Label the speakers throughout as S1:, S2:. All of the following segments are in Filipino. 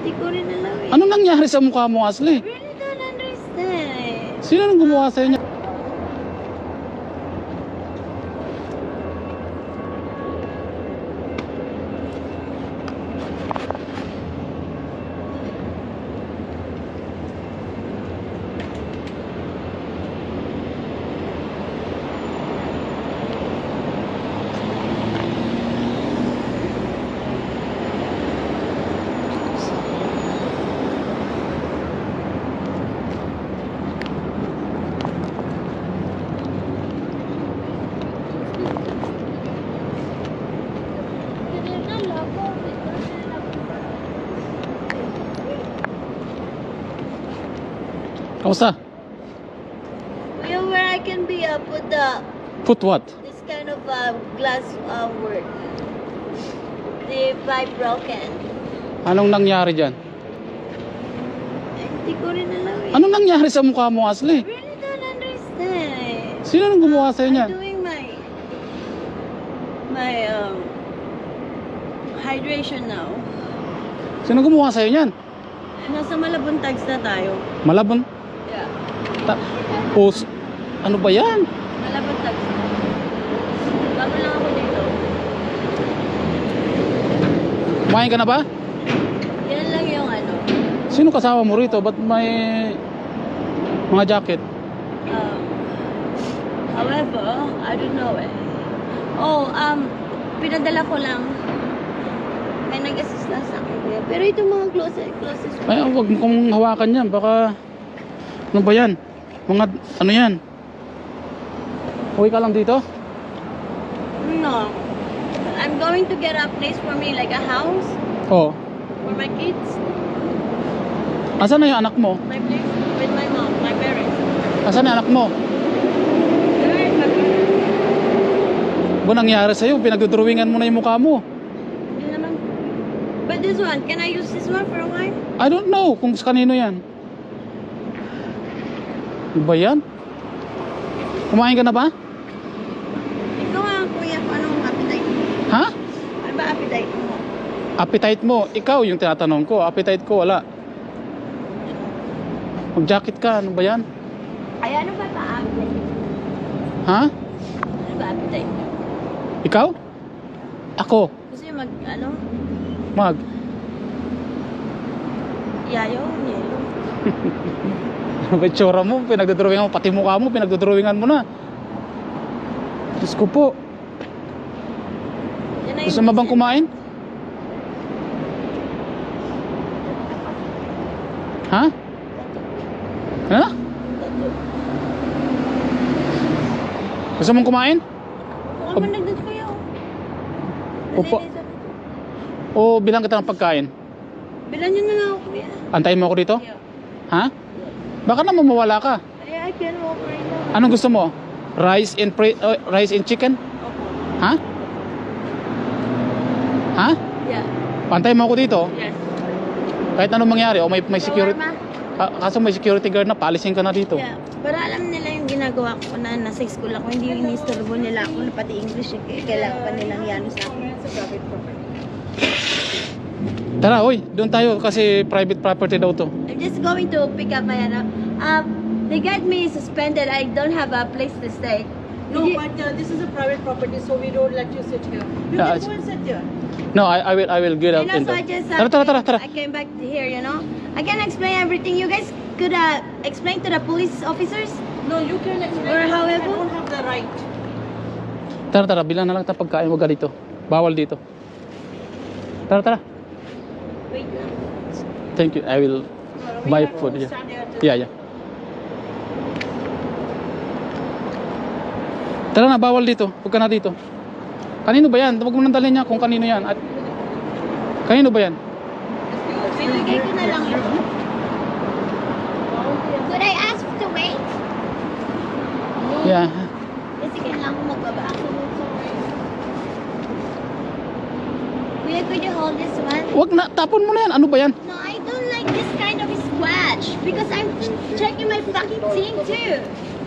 S1: Hindi ko rin alam eh.
S2: Anong nangyari sa mukha mo, Ashley?
S1: I really don't understand.
S2: Sino nang gumawa sa'yo niya? Kamusta?
S1: You know where I can be put
S2: Put what?
S1: this kind of glass work. The pipe broken.
S2: Anong nangyari dyan?
S1: Hindi ko rin alam eh.
S2: Anong nangyari sa mukha mo,
S1: I
S2: Ashley?
S1: really don't understand.
S2: Sino nang gumawa sa'yo
S1: I'm
S2: niyan?
S1: doing my hydration now.
S2: Sino gumawa sa'yo niyan?
S1: Nasa Malabon tags na tayo.
S2: Malabon?
S1: Yeah.
S2: Ano ba yan?
S1: Malabon tags na. Bago lang ako dito.
S2: Kumain ka na ba?
S1: Yan lang yung ano.
S2: Sino kasama mo rito? Ba't may mga jacket?
S1: However, I don't know eh. Oh, pinadala ko lang. May nag-assist na sa akin. Pero itong mga closest.
S2: Ay, wag mo kong hawakan yan. Baka, ano ba yan? Mga, ano yan? Uwi ka lang dito?
S1: No. I'm going to get a place for me, like a house
S2: Oo.
S1: for my kids.
S2: Asan na yung anak mo?
S1: My place with my mom, my parents.
S2: Asan na yung anak mo? Ba nangyari sa'yo? Pinagdodrawingan mo na yung mukha mo.
S1: Hindi naman. But this one, can I use this one for a while?
S2: I don't know kung sa kanino yan. Ano ba yan? Kumain ka na ba?
S1: Ikaw nga, kuya, kung anong appetite mo?
S2: Ha?
S1: Ano ba appetite mo?
S2: Appetite mo? Ikaw yung tinatanong ko. Appetite ko, wala. Mag-jacket ka. Ano ba yan?
S1: Ay, ano ba appetite?
S2: Ha?
S1: Ano ba appetite mo?
S2: Ikaw? Ako?
S1: Gusto yung ano?
S2: Mag?
S1: Yayo? Yelo?
S2: Ano ba yung tsura mo? Pinagdodrawingan mo. Pati mukha mo, pinagdodrawingan mo na. Diyos ko po.
S1: Yan na
S2: Gusto mo bang kumain? Ha? Ha? Gusto mong kumain?
S1: Huwag mo nagdad kuya.
S2: Opo. O bilang kita ng pagkain?
S1: Bilan nyo na lang ako kuya.
S2: Antayin mo ako dito?
S1: Yeah.
S2: Ha? Baka naman mawala ka.
S1: Ay, I can walk right now.
S2: Anong gusto mo? Rice and chicken?
S1: Opo.
S2: Ha? Ha?
S1: Yeah.
S2: Antayin mo ako dito.
S1: Yes.
S2: Kahit anong mangyari o may security.
S1: Shawarma?
S2: Kaso may security guard na, paalisin ka na dito.
S1: Yeah. Para alam nila yung ginagawa ko na nasa school ako. Hindi yung inisturbo nila ako na pati English. Kailangan pa nilang yano sa akin.
S2: Tara, oy, doon tayo kasi private property daw to.
S1: I'm just going to pick up my ano. They got me suspended. I don't have a place to stay.
S3: No,
S1: Did you-
S3: but this is a private property, so we don't let you sit here. You
S2: Yeah,
S3: can go and sit here.
S2: No, I will get out
S1: And
S2: in
S1: also,
S2: there. Tara.
S1: I came back to here, you know. I can explain everything. You guys could explain to the police officers.
S3: No, you can explain.
S1: Or
S3: I
S1: however-
S3: don't have the right.
S2: Tara, bilang na lang tayo pagkain, wag ka dito. Bawal dito. Tara.
S1: Wait lang.
S2: Thank you. I will
S3: We
S2: buy
S3: have to
S2: food. Yeah.
S3: stand here.
S2: Yeah. Tara na, bawal dito. Huwag ka na dito. Kanino ba yan? Huwag mo nang dalhin niya kung kanino yan. At kanino ba yan?
S1: Bibigay ko na lang ito. Could I ask to wait?
S2: Yeah.
S1: Kasi kailangan ko magbaba. Kuya, could you hold this one?
S2: Huwag na, tapon mo na yan. Ano ba yan?
S1: No, I don't like this kind of scratch because I'm checking my fucking thing too.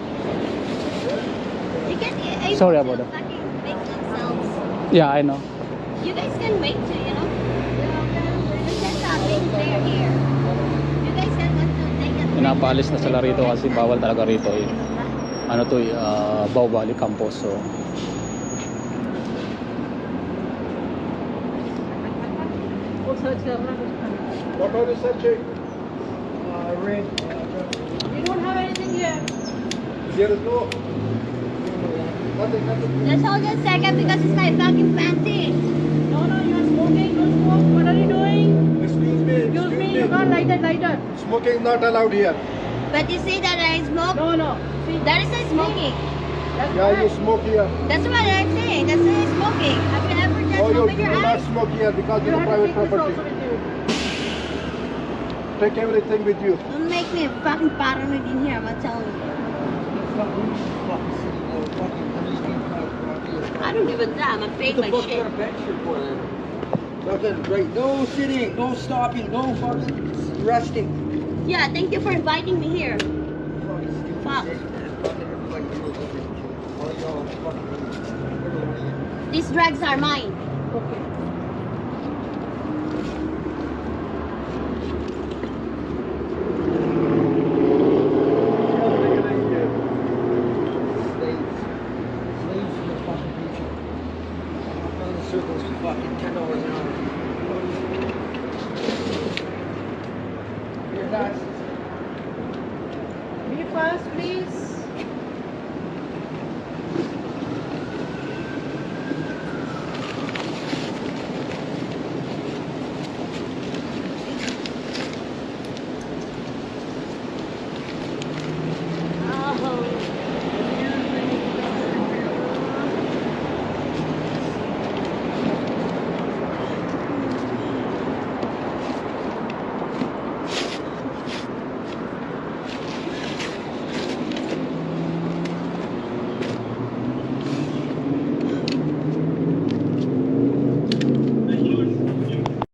S1: You can able
S2: Sorry
S1: to
S2: about that.
S1: fucking make themselves.
S2: Yeah, I know.
S1: You guys can wait too, you know. There's just a big they're here. You guys said what to take it.
S2: Pinapaalis na sila rito kasi bawal talaga rito eh. Ano to eh, Bao Valley Campus. So,
S3: Also, it's
S4: What are you searching? Red.
S3: we don't have anything here.
S4: There is no. Nothing.
S1: Just hold a second because it's my fucking fancy.
S3: No, you're smoking. Don't smoke. What are you doing?
S4: Excuse me.
S3: Excuse me, you can't light that lighter.
S4: Smoking not allowed here.
S1: But you see that I smoke?
S3: No. See,
S1: That is not smoking.
S3: that's
S4: Yeah, you
S3: correct.
S4: smoke here.
S1: That's what I'm saying. That's not smoking. Have you ever just
S4: Oh, you
S1: opened your
S4: do not
S1: eyes?
S4: smoke here because
S3: You
S4: it's a
S3: have to
S4: private
S3: take this also
S4: property.
S3: with you.
S4: Take everything with you.
S1: Don't make me fucking paranoid in here, I'm telling you. I don't give a damn. I paid my shit.
S5: Nothing, right? No sitting, no stopping, no fucking resting.
S1: Yeah, thank you for inviting me here. Fuck. These drugs are mine.
S3: Okay.
S5: Circles for fucking $10 an hour. Here, guys.
S3: Be fast, please.